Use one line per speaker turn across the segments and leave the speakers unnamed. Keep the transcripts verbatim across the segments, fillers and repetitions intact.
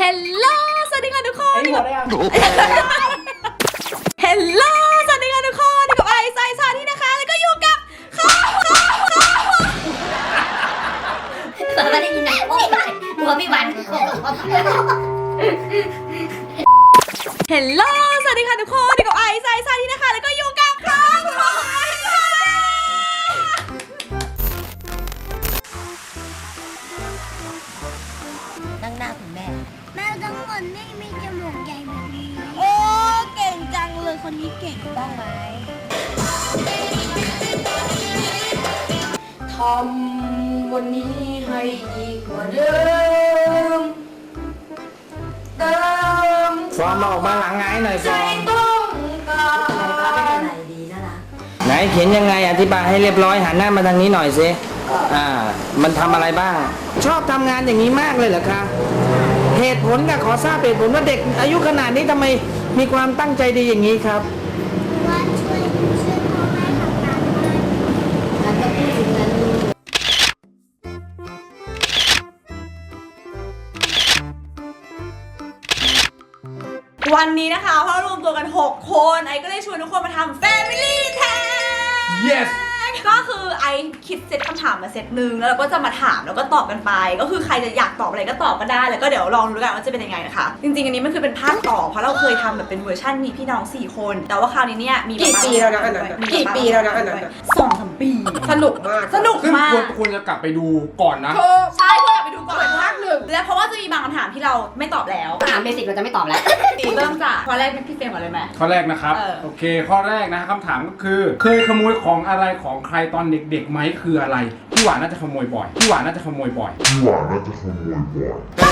Hello สวัสดีค่ะทุกคนนี่กับ Hello สวัสดีค่ะทุกคนนี่กับไอซ์ไซซาที่นะคะแล้วก็อยู่กับข้าวข้าวข้าว
เปิดมาได้ยินไหมโอ้ยหัวพี่วัน
Hello สวัสดีค่ะทุกคนนี่กับไอซ์ไซซาที่นะคะแล้วก็อยู่กับข้าวข้าว
นั่งหน้าคุณแม่แม่ทั้งหมดไม่มีจมูกใหญ่แบบนี้
โอ้เก่งจังเลยคนนี้เก่ง
ต้องไหม
ทำวันนี้ให้ดีกว่าเดิมเติม
ฟอร์มออกมาหลังไงหน่อยฟอร์ม
ต้องการ
อะไรดีน่ารัก
ไหนเขียนยังไงอธิบายให้เรียบร้อยหันหน้ามาทางนี้หน่อยสิอ่ามันทำอะไรบ้าง ชอบทำงานอย่างนี้มากเลยเหรอคะเหตุผลกับขอทราบเหตุผลว่าเด็กอายุขนาดนี้ทำไมมีความตั้งใจดีอย่างนี้ครับ
ว่าช่วยช่วยพ่อแม่ทำงานด้วยแล้วก็พูดถึงเงิน
วันนี้นะคะพวกเรารวมตัวกันหกคนไอก็เลยชวนทุกคนมาทำ Family Tag
Yes
ก็คือไอคิดเซตคำถามมาเซตหนึ่งแล้วเราก็จะมาถามแล้วก็ตอบกันไปก็คือใครจะอยากตอบอะไรก็ตอบก็ได้แล้วก็เดี๋ยวลองดูกันว่าจะเป็นยังไงนะคะจริงๆอันนี้มันคือเป็นภาคต่อเพราะเราเคยทำแบบเป็นเวอร์ชันมีพี่น้องสี่คนแต่ว่าคราวนี้เนี่ยมี
กี่ปีแล้วนะอันนั้นกี่ปีแล้วนะอันนั้น
สองสามปี
สนุกมาก
สนุก
ซึ่ง
มาก
ควรควรจะกลับไปดูก่อนนะ
ใช่ควรกลับไปดูก่อน
ภาคหนึ่ง
และเพราะว่าจะมีบางคำถามที่เราไม่ตอบแล้ว
ถามเบสิกเราจะไม่ตอบแล้ว
เริ่มจากข้อแรกเป็นพี่เฟรมก่อนเลยไหม
ข้อแรกนะครับ
เออ
โอเค ข้อแรกนะคำถามก็คือ เคยขโมยของอะไรของใครตอนเด็กๆไหมคืออะไรพี่หวานน่าจะขโมยบ่อยพี่หวานน่าจะขโมยบ่อย
พี่หวานน่าจะขโมยบ่อย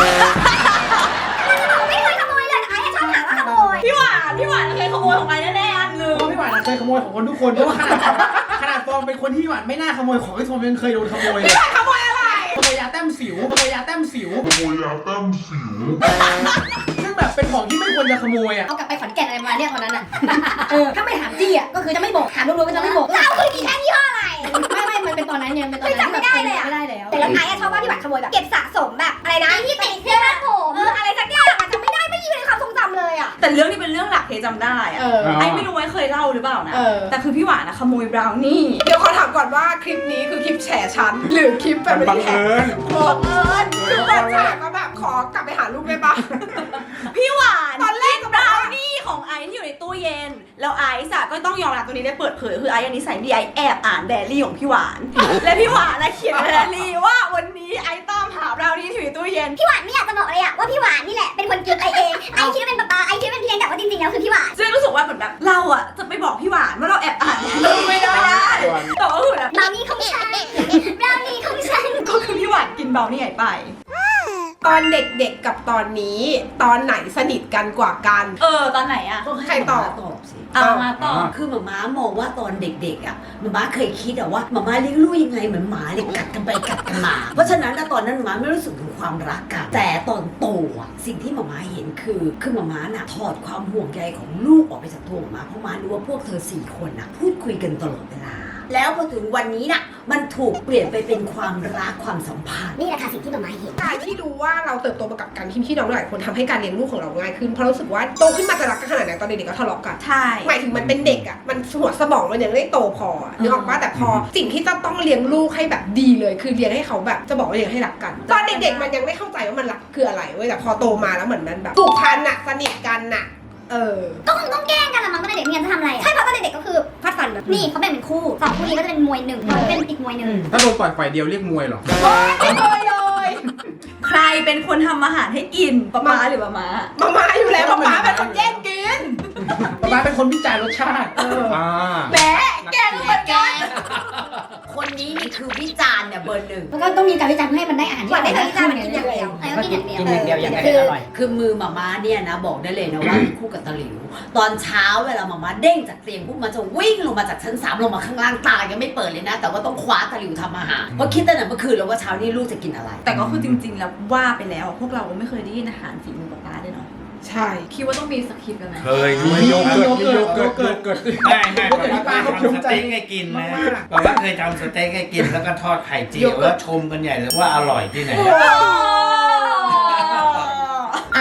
ไม่เคยขโมยเลยไอ้ชอบถามว่าขโมย
พี่หวานพี่หวานเคยขโมยของไอแน่ๆอันหนึง
พี่หวานเคยขโมยของคนทุกคนเพราะว่าขนาดขนาดฟอร์มเป็นคนที่พี่หวานไม่น่าขโมยของที่ฟอร์มยังเคยโดนขโมยเลย
ขโมยอะไร
ขโมยยาแต้มสิวขโมยยาแต้มสิว
ขโมยยาแต้มสิว
ซึ่งแบบเป็นของที่ไม่ควรจะขโมยอ่ะ
เอากลับไปขอนแก่นอะไรมาเนี่ยตอนนั้นอ่ะเออถ้าไม่ถามจี้อ่ะก็คือจะไม่บอกถามรู้ๆก็จะไม่บอกเราคือกี่แท่งยี่ห้ออะไรไม่ไม่มันเป็นตอนนั้นยังเป็นตอนนั้นจำไม่ได้เลยอ่ะไม่ได้แล้วแต่แล้วไอ้ชอบว่าพี่หวานขโมยแบบเก็บสะสมแบบอะไรนะที่ติดเสื้อผ้าผมอะไรสักอย่างอะจำไม่ได้ไม่อยู่ในความทรงจำเลยอ่ะ
แต่เรื่องนี้เป็นเรื่องหลักเคจำได้อะ
เออ
ไอไม่รู้ว่าเคยเล่าหรือเปล่านะ
เออ
แต่คือพี่หวานอะขโมยบราวนี่
เดี๋ยวขอถามก่อนว่าคลิปนี้คือคลิปแฉฉันหรือคลิปแบ
มั
บ
นบังเอิญ
บังเอิญคือเปิดฉากมาแบบขอกลับไปหาลูกได้ปะ
พี่หวาน
ตอนแรกก็
บบ
อ
ราก ว
ว่า
นี่ของไอที่อยู่ในตู้เย็น แล้วไอซ์อะก็ต้องยอมรับตรงนี้ได้เปิดเผยคือไออันนี้ใส่ดีไอแอบอ่านไดอารี่ของพี่หวาน และพี่หวานอะเขียนในไดอารี่ว่าวันนี้ไอตามหาบราวนี่ที่อยู่ในตู้เย็น
พี่หวานไม่อยากจะบอกเลยอะว่าพี่หวานนี่แหละเป็นคนกินไอเองไอคิดว่าเป็นป๊าป๊าไอคิดว่าเป็นพี่เลี้ยงแต่ว่าจริงๆแล้วคือพี่หวาน
ซึ่งรู้สึกว่าเหมือนแบบเราอะจะไปบอกพี่หวานว่าเราแอบอ่านไม่ได้แต่ว่าคือแบบ
บราวนี่ของฉันบราวนี่ของฉัน
ก็คือพี่หวานกินบราวนี่ไงไป
ตอนเด็กๆกับตอนนี้ตอนไหนสนิทกันกว่ากัน
เออตอนไหนอะ
ใครตอบ
ตอบสิ
เอามาต่อ
คือหมาม้ามองว่าตอนเด็กๆอ่ะหมาม้าเคยคิดอะว่าหมาม้าเลี้ยงลูกยังไงเหมือนหมาเนี่ยกัดกันไปกัดกันมา เพราะฉะนั้นนะตอนนั้นหมาม้าไม่รู้สึกถึงความรักกันแต่ตอนโตอ่ะสิ่งที่หมาม้าเห็นคือคือหมาม้าน่ะถอดความห่วงใยของลูกออกไปจากตัวหมาม้าเพราะหมารู้ว่าพวกเธอสี่คนน่ะพูดคุยกันตลอดเวลาแล้วพอถึงวันนี้น่ะมันถูกเปลี่ยนไปเป็นความรักความสัมพันธ์
นี่แหละค่ะสิ่งที่หมาม้าเห็น
การที่ดูว่าเราเติบโตมากับการที่พี่น้องหลายคนทำให้การเลี้ยงลูกของเราง่ายขึ้นเพราะรู้สึกว่าโตขึ้นมาจะรักกันขนาดไหนตอนเด็กๆก็ทะเลาะกัน
ใช่
หมายถึงมันเป็นเด็กอ่ะมันหัวสมองมันยังไม่โตพออะนึกออกปะแต่พอสิ่งที่จะต้องเลี้ยงลูกให้แบบดีเลยคือเลี้ยงให้เขาแบบจะบอกว่าเลี้ยงให้รักกัน ตอนเด็กๆมันยังไม่เข้าใจว่ามันรักคืออะไรเว้ยแต่พอโตมาแล้วเหมือนมันแบบผูกพันอะสนิทกันอะเออ
ก็คงต้องแกล้งกันละมั้งตอนเด็กๆไม่งั้นจะทำอะไรใช่เพราะตอนเด็กๆก็คือฟาดฟันแบบนี่เขาแบ่งเป็นคู่สองคู่นี้ก็จะเป็นมวยหนึ่งเราเป็นอีกมวยหนึ่ง
ถ้าโดนต่อยฝ่ายเดียวเรียกมวยเหรอ
เลยเลย
ใครเป็นคนทำอาหารให้กินป๊าป๊าหรือป๊าม้า
มาม่าอยู่แล้วมาม่าเป็นคนแย่งกิน
หมาม้าเป็นคนวิจารณ์รสชาติ
เออ
อ่า
แหมแกก็เหมือนกัน
คนนี้นี่คือวิจารณ์เนี่ยเบอร์หนึ่ง
มันก็ต้องมีการวิจารณ์เพื่อให้มันได้อาหารที่อร่อยได้วิจารณ์มันกินอย่างเดียวเออกินอย่างเดียว
กินอย่างเดียวอย่างไร
คือ
อร่อย
คือมือหมาม้าเนี่ยนะบอกได้เลยนะว่ามีคู่กับตะหลิว ตอนเช้าเวลาหมาม้าเด้งจากเตียงปุ๊บมันจะวิ่งลงมาจากชั้นสามลงมาข้างล่างตายังไม่เปิดเลยนะ แต่ว่าต้องคว้าตะหลิวทำอาหารเพราะคิดตั้งแต่เมื่อคืนแล้วว่าเช้านี้ลูกจะกินอะไร
แต่ก็คือจริงๆแล้วว่าไปแล้วพวกเราก็ไม่เคยได้ยินอาหารฝีมือป๊าป๊าด้วยเนาะ
ใช่
คิดว่าต้องมีสคริปต์กันไหม
เคย
มีโยเกิร์ตมีโยเกิร์ต
เกิดเกิด
ไม่ไม่
โยเกิร์ตที่ป้าเขาภูมิ
ส
ใจ
เต็กให้กินนะ
มากๆ
บอกว่าเคยทำสเต็กให้กินแล้วก็ทอดไข่เจียวแล้วชมกันใหญ่เลยว่าอร่อยที่ไหน
อ่ะ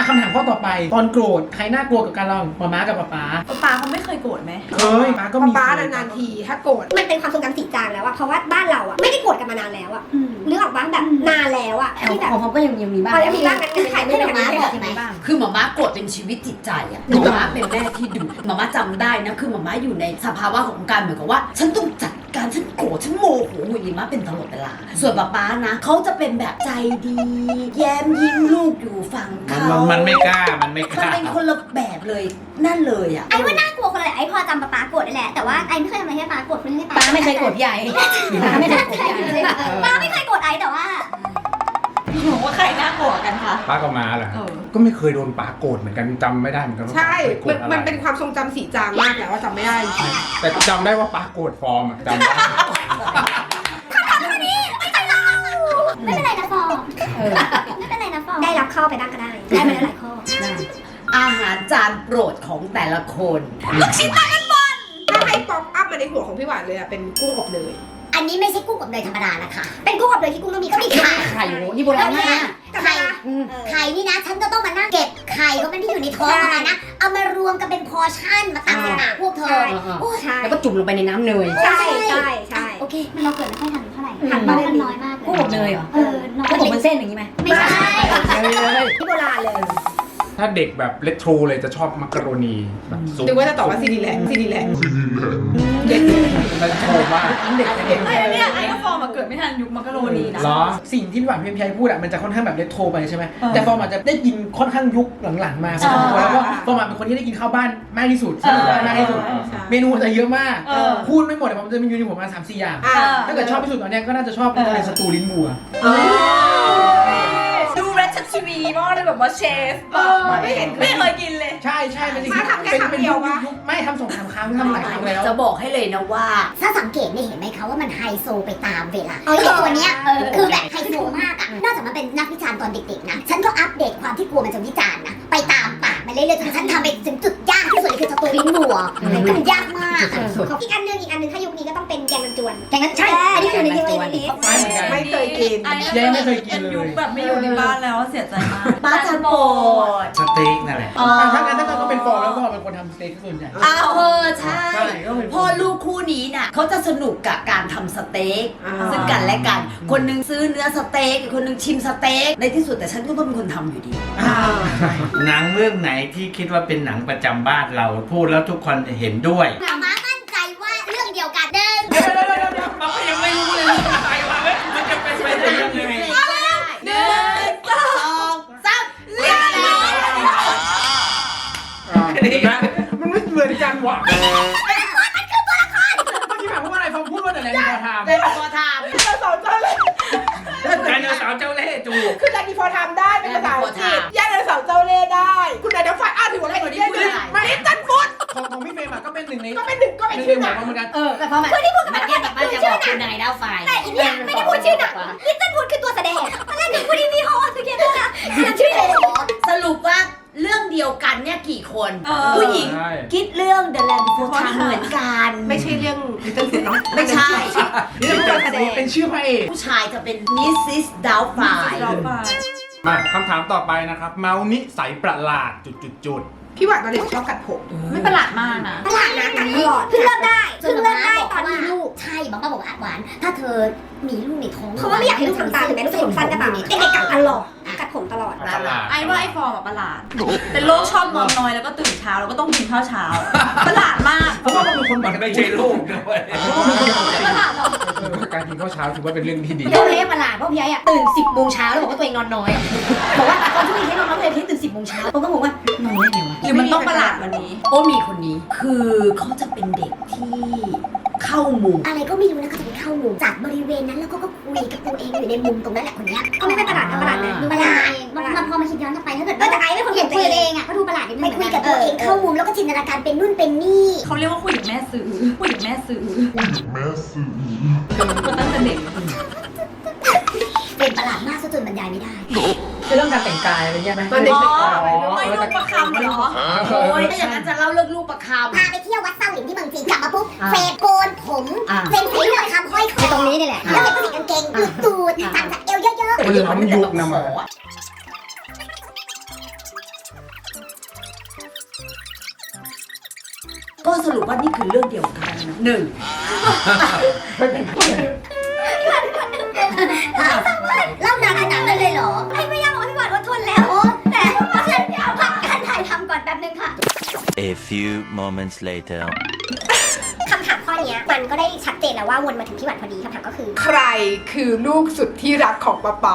คำถามข้อต่อไปตอนโกรธใครน่ากลัวกับการระหว่างมาม้ากับป๊าป๊า
ป๊าเขาไม่เคยโกรธไหม
เคยป๊าก็มี
ป้าๆนานๆทีถ้าโกรธ
มันเป็นความทรงจำสีจางแล้วอะเพราะว่าบ้านเราอะไม่ได้โกรธกันมานานแล้วอะนึกออกบ้างแบบนานแล้วอะที่แบบ
ของผมก็ยังยังมีบ้าง
พอยังมีบ้างนะคือถ่ายรูปอย่างนี้บอกใช่ไหม
คือหมาม่าโกรธเป็นชีวิตจิตใจอะหมาม่าเป็นแม่ที่ดุหมาม่าจำได้นะคือหมาม่าอยู่ในสภาวะของการเหมือนกับว่า ฉันต้องจัดการฉันโกรธฉันโมโหหุยมาเป็นตลอดเวลาส่วนป๊าป๊านะเขาจะเป็นแบบใจดี แย้มยิ้มลูกอยู่ฝั่ง
มัน
เขา
มันมันไม่กล้ามันไม่ก
มัน
ล้า
เป็นคนละแบบเลยนั่นเลยอะ
ไอ้ว่าน่ากลัวคนละไอ้พอจำป๊าป๊าโกรธได้แหละแต่ว่าไอ้ไม่เคยทำอะไรให้ป๊าโกรธคนให้ป๊า
ป้าไม่เคยโกรธพี่ใหญ่ป้าไม่เคยโกรธพี่ใหญ่
ป๊าไม่เคยโกรธไอ้แต่ว่า
หนูว่าใครน่ากลัวกันคะ
ป้ากับม้าเหรอ
เออ
ก็ไม่เคยโดนป้าโกรธเหมือนกันจำไม่ได้เหมือนกันว่า
ใช่
ป้าเคยโกร
มัน
ธอะไร
มันเป็นความทรงจำสีจางมากแล้วว่าจำไม่ได้
แต่จำได้ว่าป้าโกรธฟอร์มอะจำได้
ไม่เป็นไรนะฟอไม่เป็นไรนะฟอได้รับข้อไปบ้างก็ได้ได้ไปแล้วหลายข้อ
อาหารจานโปรดของแต่ละคน
ถ้าให้ป๊อปอัพมาในหัวของพี่หวานเลยอะเป็นกุ้งอบเนย
อันนี้ไม่ใช่กุ้งอบเนยธรรมดานะคะเป็นกุ้งอบเนยที่กุ้งต้องมีไข่
ไข่โหนี่โบราณมาก
ไข่ไข่นี่นะฉันจะต้องมานั่งเก็บไข่ก็เป็นที่อยู่ในท้องของมันนะเอามารวมกันเป็นพอร์ชั่นมาตักใส่ปากพวกเธอโอ้ใช่
แล้วก็จุ่มลงไปในน้ำเนย
ใช่ใช่ใช่โอเคมันเราเกิดไม่ค่อยทันเท่าไหร่ทันบ้างมันน้อยมาก
กุ้งอบเนยเหรอ
เออน้อย
กุ้งอบบนเส้นอย่างนี้ไหม
ไม่ใช่ที่โบราณเลย
ถ้าเด็กแบบเลโทรเลยจะชอบมักกะโรนีแบบซุป
หรือว่าจะตอบว่าซีดีแลนด์ซีดีแลนด์
ซีดีแลนด์
เด็กเลย
เลโทรมาก
เด็กเด็ก
ไอ้เนี่ยไอ้ก็ฟอร์มมาเกิดไม่ทันยุคมักกะโรนีนะ
เหรอ
สิ่งที่พี่หวานเพียงชัยพูดอะมันจะค่อนข้างแบบเรโทรไปใช่ไหม
เออ
แต่ฟอร์มอาจจะได้ยินค่อนข้างยุคหลังๆมาพอสมควรแล้วก็ฟอร์มอะเป็นคนที่ได้กินข้าวบ้านมากที่สุด
เออ
มากที่สุด เมนูจะเยอะมาก
เออ
พูดไม่หมดแต่ผมจะมีอยู่ในหัวประมาณสามสี่อย่าง
อ่า
ถ้าเกิดชอบที่สุดตอนเนี้ยก็น่าจะชอบเป็นอะไรสตูลิ้นบัว
ดูเรชทีวีมากเลยแบบว่าเชฟแบบไม่เห็นไม่เคยกินเลย
ใช่ใช่เป็นสิ่ง
มาทำแค่
เป็น
ครั้ง
เป็น
เดี
ยุ
ยว
คว
ะ
ยุคไม่ทำสองสามครั้งทำหลายครั้งแล้ว
จะบอกให้เลยนะว่า
ถ้าสังเกตเนี่ยเห็นไหมคะว่ามันไฮโซไปตามเวลาเอาอย่างตัวเนี้ยคือแบบไฮโซมากอะนอกจากมันเป็นนักวิจารณ์ตอนเด็กๆนะฉันก็อัปเดตความที่กลัวมันจะวิจารณ์นะไปตามปากมันเรื่อยๆจนฉันทำไปถึงจุดยากที่สุดเลยคือสตูลิ้นบัวมันยากมากอีกอันนึงอีกอันนึงถ้ายุคนี้ก็ต้องเป็นแกงมันจวนแกงมันใช่อันนี้อยู่ในยุคนี้
ไม่เหมือนกัน
ไม่เคยกิน
ยังไม่เคยกินเลย
ยุคแบบไม่อยู่ในบ้านแล้วเสียใจมาก
ป้าจะโปรด
สเต็กนั่นแหละ
อ๋อ
ถ้างั้นถ้าเกิดก็เป็นฟอร์มแล้วก็เป็นคนทำสเต็กส่วนใหญ่
อ้าวเออใช่
ใช่ก็เป็น
พ่อลูกคู่นี้น่ะเขาจะสนุกกับการทำสเต็ก
อ่า
ซึ่งกันและกัน คนหนึงซื้อเนื้อสเต็กอีกคนหนึงชิมสเต็กในที่สุดแต่ฉันก็ต้องเป็นคนทำอยู่ดี
หนังเรื่องไหนที่คิดว่าเป็นหนังประจำบ้านเรา พูดแล้วทุกคนเห็นด้วย
มาม่ามั่นใจว่าเรื่องเดียวกันเดิม
เราก็ยังไม่รู้เลยว่าอะไรวะเว้ยมันจะเป็นไปได้ยังไง
หนึ่งสองสามเรียบร้อย
มันไม่เหมือนกันว่ะ
เมื่อกี้ถามว่าอะไรฟอร์มพูดว่าแต่แรงพอทำ
ได้พอท
เราสอนเจ้าเลย
ไดโนเสาร์เจ้าเล่ห์จูบ
คือแลนดีฟอร์ทำได้เป็นภาษาอังกฤษย่าเดินเสาเจ้าเล่ห์ได้ คุณนายเดฟไฟอ้าวถือว่าอะไรตัวนี้มาเล่นจันฟุต
ของของพี่เฟรมอะก็เป็นหนึ่งใน
ก็เป็นหนึ่งก็เป็น
หนึ่ง
ชื่อ
ใน
ห
หั
นัง
วเหมือนกัน
เออแต่พอมาเมื่อกี้แบบว่าจะบอกคุณนายดาวไฟ
แต่อีเนี่ยไม่ได้พูดชื่อหนังลิตเติ้ลวูดคือตัวแสดงตอนแรกหนูพูดที่พี่ฮอสเขียนด้วยนะชื่อเลย
ำสรุปว่าเรื่องเดียวกันเนี่ยกี่คน
เออ
ผู้หญิง
ใช่
คิดเรื่อง The Land Before Time เหมือนกัน
ไม่ใช่เรื่องลิตเติ้ลฟูดเนาะ
ไม่ใช่
นี่เป็นตัวแสดง
เป็นชื่อพระเอก
ผู้ชายจะเป็น มิสซิส Doubtfire
เราไป
มาคำถามต่อไปนะครับ เมานิสัยประหลาดจุดจุดจุด
พี่หวานตอนเด็กชอบกัดผม
ไม่ประหลาดมากนะ
ตลาดนะกัดตลอดเพิ่งเริ่มได้เพิ่งเริ่มได้ตอนมีลูกใช่บอกมาบอกว่าหวานถ้าเธอมีลูกในท้องเพราะว่าไม่อยากให้ลูกทำตามถึงแม้ลูกจะผมสั้นก็ตามเด็กๆกัดตลอดกัดผมตลอด
ประหลาด
ไอ้ว่าไอ้ฟอร์มอะประหลาด เป็นโรคชอบนอนน้อยแล้วก็ตื่นเช้าแล้วก็ต้องกินข้าวเช้า ประหลาดมาก
เพราะว่ามันเป็นคนแบ
มั
บ
นไม่ใช่ลูกด้วย
ประหลาดหรอ
การกินข้าวเช้าถือว่าเป็นเรื่องที่ดี
เจ้าเล่ประหลาดเพราะพี่ใหญ่อะตื่นสิบโมงเช้าแล้วบอกว่าตัวเองนอนน้อยบอกว่าตอนที่พี่ให้นอนน้อยเลยพี่ตื่นสิบโมงเช้าผมก็งงว่านอนได้ไงวะ
หรือมันต้องประหลาดวันนี้
โอ้มีคนนี้ คือเขาจะเป็นเด็กที่เข้ามุม
อะไรก็ไม่รู้นะเขาจะไปเข้ามุมจากบริเวณนั้นแล้วก็ก็คุยกับตัวเองอยู่ในมุมตรงนั้นแหละคนเนี้ยก็ไม่เป็นประหลาดนะประหลาดนะดูประหลาดมันพอมาคิดย้อนกลับไปถ้าเกิดแต่ไอ้เป็นคนเห็นคุยเองอ่ะก็ดูประหลาดนิดนึงไปคุยกับตัวเองเข้ามุมแล้วก็จินตนาการเป็นนู่นเป็นนี่
เขาเรียกว่าผู้หญิงแม่ซื้อผู้หญิงแม่ซื้อ
แม่สื่อ
คนตั้งแต่เด็ก
เป็นประหลาดมากซะจนบรรยายไม่ได้
คือเรื่องการแต่งกายอะไรเงี้ยไหม
ตอนเด็ก
อ๋อ
ๆ
ไม่ลูกประคำเหรอ
โอ้ยถ้าอย่างนั้นจะเล่าเรื่องลูกประค
พาไปเที่ยววัดเศร้าหลินที่เมืองจีนกลับมาปุ๊บเฟรดโกนผมเฟรดสีเหลืองคำห้อยคอตรงนี้นี่แหละแล้วเห็นผู้หญิงกางเกงหลุดตูดตัดจากเอวเยอะ
ำ
มันล้ำยุคนะหมา
ก็สรุปว่านี่คือเรื่องเดียวกันหนึ่ง
เล่านานขนาดนั้นเลยเหรอให้ไม่ยากบอกพี่หวานอดทนแล้ว แต่เพราะฉะนั้นเอาพักการถ่ายทำก่อนแป๊บนึงค่ะ
A few moments later
คำถามข้อนี้มันก็ได้ชัดเจนแล้วว่าวนมาถึงพี่หวานพอดีคำถามก็คือ
ใครคือลูกสุดที่รักของป๊าป๊า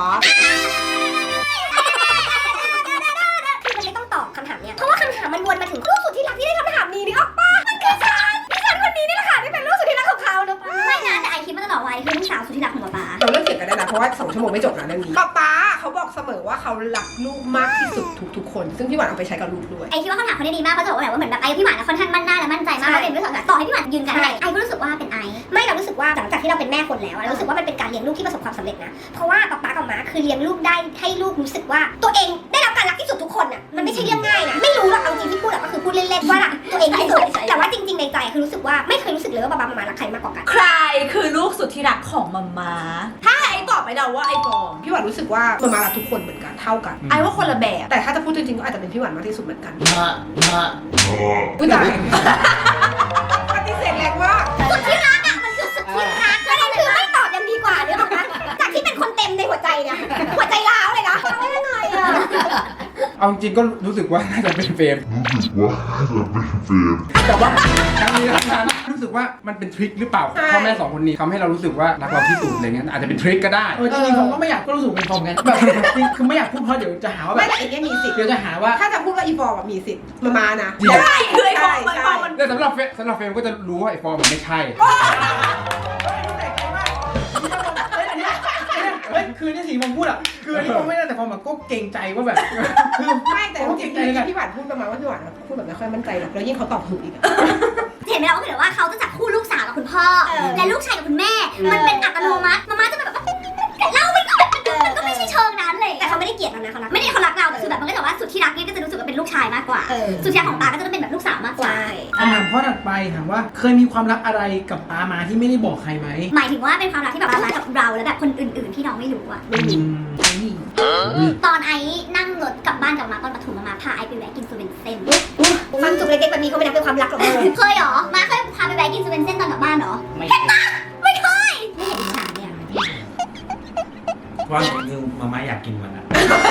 คือมันไม่ต้องตอบคำถามเนี้ยเพราะว่าคำถามมันวนมาถึงลูกสุดที่รักที่ได้คำถามนี้นึกออกปะมันคือฉันที่ฉันคนนี้นี่แหละค่ะที่เป็นลูกสุดที่รักของเขาเนอะไม่นะแต่ไอคิดมาตลอดวัยคือลูกสาวสุดที่รักของป๊าป๊า
เราเลิกเถียงกันได้นะเพราะว่าสองชั่วโมงไม่จบนะเรื่องนี้ป๊าป๊าเขาบอกเสมอว่าเขารักลูกมากที่สุดทุกๆคน ซึ่งพี่หวานเอาไปใช้กับลูกด้วย
ไอคิดว่าคำถามเขาได้ดีมากเพราะจะบอกว่าแบบว่าเหมือนแบบไอกับพี่หวานค่อนข้างมั่นหน้าและมั่นใจมากว่าเป็นเรื่องสำคัญต่อให้พี่หวานยืนกันไอก็รู้สึกว่าเป็นไอไม่เรารู้สึกว่าหลังจากที่เราเป็นแม่คนแล้วเรารู้สึกว่ามันเป็นการเลี้ยงลูกที่ประสบความสำเร็จนะเพราะว่าป๊าป๊ากับม้าคือเลี้ยงลูกได้ให้ลูกรู้สึกว่าตัวเองได้รับการรักที่สุดทุกคนอ่ะมันไม่ใช่เรื่องง่ายนะไม่รู้หรอกเอาจริงที่พูดอะก็คือพูดเล่นๆว่ารักตัวเองที่สุดแต่ว่าจริงๆในใจคือรู้สึกว่าไม่เคยรู้สึกเลยว่าป๊าป๊ากับม้ารักใครมากกว่ากัน
ใครคือลูกสุดที่รักของมัมมาถ้าไอ้ตอบไปเดาว่าไอ้ฟอง
พี่หวานรู้สึกว่ามามารักทุกคนเหมือนกันเท่ากัน
ไอ้ว่าคนละแบบ
แต่ถ้าจะพูดจริงๆก็อาจจะเป็นพี่หวานมากที่สุดเหมือนกัน
มามา
อุ้ยตายปฏิเสธแรงมาก
สุดที่รักอ่ะมันคือสุดที่รักประเด็นคือไม่ตอบยังดีกว่าเดี๋ยวบอกนะจากที่เป็นคนเต็มในหัวใจเนี่ยหัวใจร้าวเลยนะร้าวได้ยังไงอ่ะ
เอาจริงก็รู้สึกว่าน่าจะเป็นเฟรม
รู้สึกว่าจะเป็นเฟรม
แต่ว่าทั้งนี้ทั้งนั้นรู้สึกว่ามันเป็นทริคหรือเปล่าพ่อแม่สองคนนี้ทำให้เรารู้สึกว่ารักเราที่สุดอะไรเงี้ยอาจจะเป็นทริคก็ได้
เออจริงๆผมก็ไม่อยากก็รู้สึกเป็นทอมกันแบบคือไม่อยากพูดเพราะเดี๋ยวจะหาว่าแบ
ไม่
บ
แต่ไอ้เนี่ยมีสิทธิ์
เดี๋ยวจะหาว่า
ถ้าจะพูดว่าอีฟอร์มมีสิทธิ์มามานะ
จริง
ใช่คือไอ้ฟองมันฟองมัน
แต่สำหรับเฟรมสำหรับเฟรมก็จะรู้ว่าไอ้ฟอร์มมันไม่ใช่
เฮ้ยคือที่สีผมพูดอ่ะคือที่ผมไม่ได้แต่พอแบบก็เกรงใจว่าแบบคือ
ไม่แต่
ก็
จ
เก
ริ
รง งใจกัน
ๆพี่หวานพูดประมาณว่าพี่หวานพูดแบบไม่ค่อยมั่นใจหรอกแล้วยิ่งเขาตอบถูกอีกอะ
เห็นไหมเราก็คือว่าเขาจะจับคู่ลูกสาวกับคุณพ่อ และลูกชายกับคุณแม่ มันเป็นอัตโนมัติมาม่าจะแบบว่าเล่าไม่ก็มันก็ไม่ใช่เชิงนั้นเลยแต่เขาไม่ได้เกลียดเรานะเขารักไม่ได้เขารักเราแต่คือแบบมันก็จะว่าสุดที่รักเนี่ยก็จะรู้สึกว่าเป็นลูกชายมากกว่าสุดที่รักของตาก็จะเป็นแบบลูกสาวมากกว่า
คำถามข้อถัดไปถามว่าเคยมีความลับอะไรกับปามาที่ไม่ได้บอกใครไหม
หมายถึงว่าเป็นความรักที่แบบมากับเราแล้วแบบคนอื่นๆที่น้องไม่รู้อะ ตอนไอ้นั่งรถกลับบ้านกับมาตอนปฐมมาพาไอ้ไปแวะกินซูเวนเซ่นฟังจุกเล็กๆแบบนี้ก็ไม่นับเป็นความรักหรอกเคยเหรอมาเคยพาไปแวะกินซูเวนเซ่นตอนกลับบ้านเหรอ
ไม่
เห็นปะไม่เคยไม่เห็นอิจฉาเนี่ย
ว่าคือมาม่าอยากกินมันอะ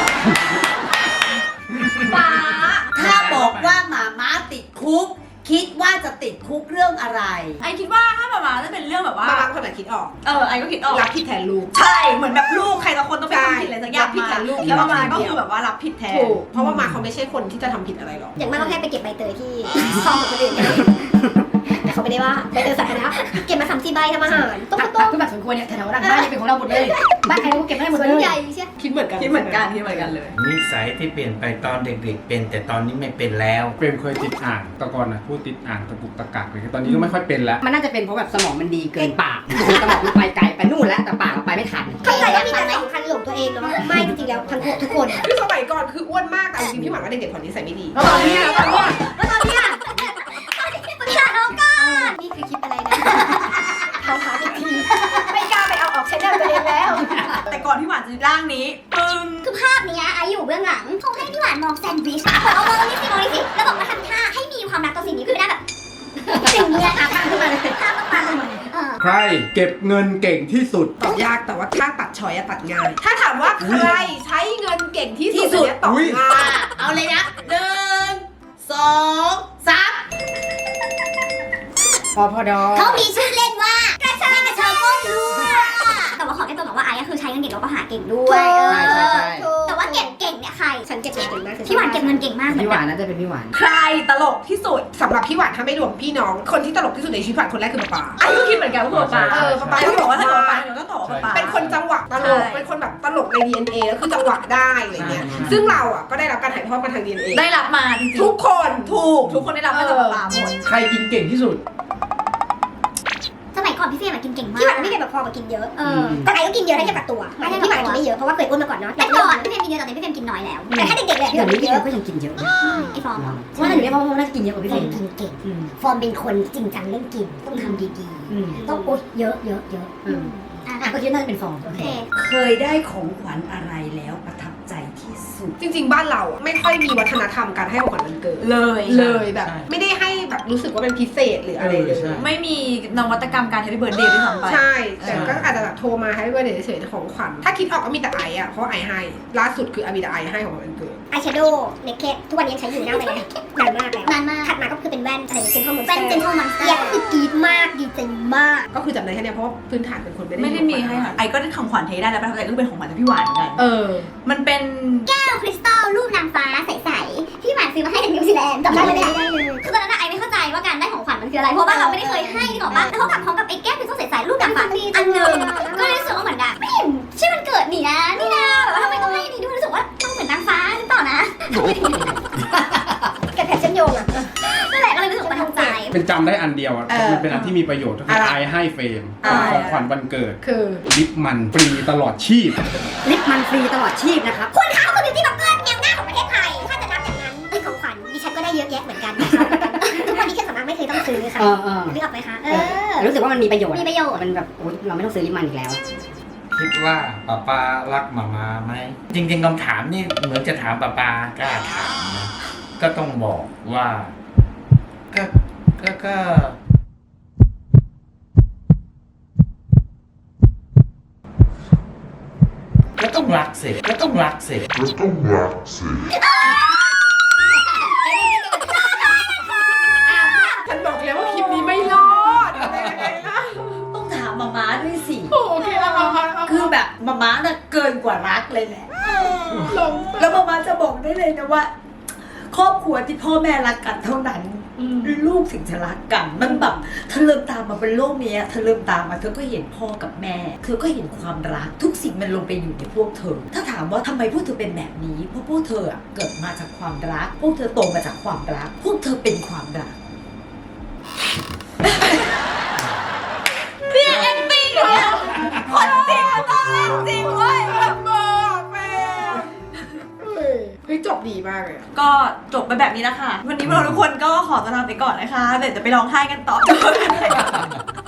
ป้า
ถ้าบอกว่าหมาม้าติดคุก คิดว่าจะติดคุกเรื่องอะไร
ไอ้คิดว่าถ้ามามาจะเป็นเรื่องแบบว่า
มามาคนไหนคิดออก
เออไอ้ก็คิดออก
รับผิดแทนลูก
ใช่เหมือนแบบลูกใครสักคนต้องเป็นคนผิดอะไรสักอย่าง
รับผิดแทนลูก
แล้วมามาก็คือแบบว่ารับผิดแทน
ถูกเพราะว่ามาเขาไม่ใช่คนที่จะทำผิดอะไรหรอก
อย่างมากก็แค่ไปเก็บใบเตยที่ซองของคนอื่นแต่เขาไม่ได้ว่าใบเตยสาธารณะเก็บมาสามสี่ใบทำอาหารต้ม
ผัก
ต้ม
คือแบบสมควรเนี่ยแถวๆหลังบ้านเนี่ยเป็นของเราหมดเลยบ้านใครเราก็เก็บได้หมด
ส
เล
วน
ย
ใหญ่ใช่
คิดเหมือนกัน
คิดเหมือนกันคิดเหมือนกันเลย
นิสัยที่เปลี่ยนไปตอนเด็กๆ เป็นแต่ตอนนี้ไม่เป็นแล้ว
เฟรมเคยติดอ่างแต่ก่อนนะพูดติดอ่างตะกุกตะกักเลยตอนนี้ก็ไม่ค่อยเป็นแล้ว
มันน่าจะเป็นเพราะแบบสมองมันดีเกินปากสมองมันไปไกลไปนู่นแล้วแต่ปากเราไปไม่ทัน
เข้าใจว่ามีแต่สำคัญหลงตัวเองเนาะไม่จริงๆแล้วทั้งทุกคน
คือสมัยก่อนคืออ้วนมากแต่จริงๆพี่หวานก็เด็กๆคนนี้ใส่ไม่ดี
แล้วตอนนี้อะตอนนี้อะ
แล้วตอนเนี้ยปรึกษาน้องก่อนนี่คือคลิปอะไรนะเขาพาไปทีไม่กล้าไปเอาออกใช้ได้ตัวเองแล้ว
แต่ก่อนที่หวานจะร่างนี้ปึ้ง
คือภาพเนี้ยไออยู่เบื้องหลังเขาให้พี่หวานมองแซนด์วิชเอามองนี่สิมองนี่สิแล้วบอกว่าทำท่าให้มีความรักต่อสิ่งนี้คือได้แบบสิ่งเนี้ยอาภาพขึ้นมาเลยภาพต้องมาเลยเออ
ใครเก็บเงินเก่งที่สุด
ตอบยากแต่ว่าถ้าตัดชอยอะตัดง่าย ถ้าถามว่าใครใช้เงินเก่งที่สุดเนี่ยตอบง่าย
เอาเลยนะหนึ่งสองสาม
พอพอดอ
เขามีชื่อเล่นว่ากระเชากกระเชาก้มรั่วแต่ว่าขอแค่ตัวบอกว่าไอ้ก็คือใช้เงินเก่งแล้วก็หาเก่งด้วย
ใช่ใช่ใช่
แต่ว่าเก็บเก่งเนี่ยใครฉันเก็บเงินเก่งมากพี่หวานเก็บเงินเก่งมาก
พี่หวานน่าจะเป็นพี่หวาน
ใครตลกที่สุด
สำหรับพี่หวานถ้าไม่รวมพี่น้อง คนที่ตลกที่สุดในชีวิตหวานคนแรกคือป๊าป๊า
ไอ้ก็คิดเหมือนกันว่าคือป๊า
เออป๊าป๊า
ไอ้ก็บอกว่าถ้าเกิดป๊าเดี๋ยวก็ตอบว่าป๊า
เป็นคนจังหวะตลก
ใช่
เป็นคนแบบตลกใน ดี เอ็น เอ แล้วคือจังหวะได้อะไรเงี้ย
ใช่
ซึ่งเราอ่ะก็ได้รับการถ่ายทอดมาทาง ดี เอ็น เอ
ได้รับมาจริงๆ
ทุกคน
ถูกทุกคนได้รับมาจากป๊าหมด
ใครกินเก่งที่สุด
สมัยก่อนพี่เฟรมกินเก่งมากพี่หวานไม่เก่งแบบพอกับกินเยอะแต่ไอ้ก็กินเยอะถ้าเทียบกับตัวหมายถึงพี่หวานกินไม่เยอะเพราะว่าเคยอ้วนมาก่อนเนาะแต่ก่อนพี่เฟรมกินเยอะตอนนี้พี่เฟรมกินน้อยแล้วแต่ถ้าเด็กๆเลยพี่
เดี๋
ห
ยว
วาน
นี้
กิน
พี่
เย
เรา
อะ
ก็ยังกินเยอะ
ไอ้ฟอร์มเหรอ
เพราะว่าอยู่ในพ่อพ่อน่าจะกินเยอะกว่าพี่
เฟ
เฟ
ร
ร
ม
ม
กินเก่ง
อืม
ฟอร์มเป็นคนจริงจังเรื่องกินต้องทำดี
อืม
ๆต้องโอ๊ยเยอะเยอะเยอะ
อืม
อ่ะ
อ่ะก็คิดน่าจะเป็นฟอง
โอเค
เคยได้ของขวัญอะไรแล้วประทับใจที่สุด
จริงๆบ้านเราอะไม่ค่อยมีวัฒนธรรมการให้ของขวัญวันเกิด
เลย
เลยแบบ ไม่ได้ให้แบบรู้สึกว่าเป็นพิเศษหรืออะไรเลย
เออใช่
ไม่มีนวัตกรรมการ Happy Birthday ด้วยซ้ำไป
ใช่ แต่ก็อาจจะแบบโทรมาให้ว่าเดี๋ยวเฉยๆของขวัญถ้าคิดออกก็มีแต่ไออะเพราะไอให้ล่าสุดคืออามีแต่ไอให้ของวันเกิด
อายแชโดว์เนคเก็ตทุกวันนี้ยังใช้อยู่หน้าไปเลยนานมากแล้วนานมากถัดมาก็คือเป็นแว่นอะไรเซนทรัลมอนสเตอร์แว่นเซนทรัลมอนสเตอร์ก็คือกรี๊ดมากดีใจมาก
ก็คือจำได้แค่เนี้ยเพราะว่าพื้นฐานเป็นคนไม่ได้
ไม่ได้มีให้ค่ะไอก็ได้ของขวัญเทได้แล้วประทับใจก็เป็นของขวัญจากพี่หวานเหมือนกัน
เออ
มันเป็น
แก้วคริสตัลรูปนางฟ้าใสๆที่หวานซื้อมาให้จากนิวซีแลนด์จำได้เลยได้เลยคือตอนนั้นไอไม่เข้าใจว่าการได้ของขวัญมันคืออะไรเพราะว่าเราไม่ได้เคยให้ที่บอกว่าแล้วเขากลับพร้อมกับไอ้แก้วคริสตัลใสๆรูปนางฟ้าอันหนึ่งก็เลยรู้สึกว่าเหมือนแบบไม่เห็นชื่อมันเกิดนี่นะนี่นะแบบว่าทำไมต้องให้นี่ด้วยรู้สึกว่าต้องเหมือนนางฟ้าหรือเปล่านะแกแผลเชื่อมโยงอะนั่นแหละก็เลยรู้สึกประทับใจ
เป็นจำได้อันเดียวอะ
เออ
มันเป็นอันที่มีประโยชน์ก็คือ
อะไร
ไอให้เฟรม
อะไร
ของขวัญวันเกิด
คือ
ลิปมันฟรีตลอดชีพ
ลิปมันฟรีตลอดชีพนะครับ
คุณเขาคือบิวตี้บล็อกเกอร์แนวหน้าของประเทศไทยถ้าจะนับอย่างนั้นไอ้ของขวัญดิฉันก็ได้เยอะแยะเหมือนกันทุกวันนี้แค่สำนักไม่เคยต้องซื้อค่ะ
เออเออ
นึกออกไหมคะเออ
แต่รู้สึกว่ามันมีประโยชน์
มีประโยชน์
มันแบบโอ๊ยเราไม่ต้องซื้อลิปมันอีกแล้ว
คิดว่าป้าปารักหมามาไหมจริงๆคำถามนี่เหมือนจะถามป้าปากล้าถามนะก็ต้องบอกว่าก็ก็ก็ก็ต้องรักสิก็ต้องรักสิ
ก็ต้องรักสิ
ฉันบอกแล้วว่าคลิปนี้ไม่รอดอะไรยังไงล่ะ
ต้องถามมาม้าด้วยสิ
โอเคเอาเอาเอาเอา
คือแบบมาม้าน่ะเกินกว่ารักเลยแหละ
ลง
แล้วมาม้าจะบอกได้เลยนะว่า ครอบครัวที่พ่อแม่รักกันเท่านั้น ลูกถึงจะรักกัน มันแบบเธอเริ่มตามมาเป็นโลกเนี้ยเธอเริ่มตามมาเธอก็เห็นพ่อกับแม่ เธอก็เห็นความรัก ทุกสิ่งมันลงไปอยู่ในพวกเธอ ถ้าถามว่าทำไมพวกเธอเป็นแบบนี้ เพราะพวกเธออะเกิดมาจากความรัก พวกเธอโตมาจากความรัก พวกเธอเป็นความรัก
เนี่ยแอคติ้งเนี่ยคนจริงมันต้องเล่นจริงเว้ย
บอกแม่เฮ้ยจบดีมากเลยอะ
ก็จบไปแบบนี้แล้วค่ะ วันนี้พวกเราทุกคนก็ขอตัวลาไปก่อนนะคะเดี๋ยวจะไปร้องไห้กันต่อ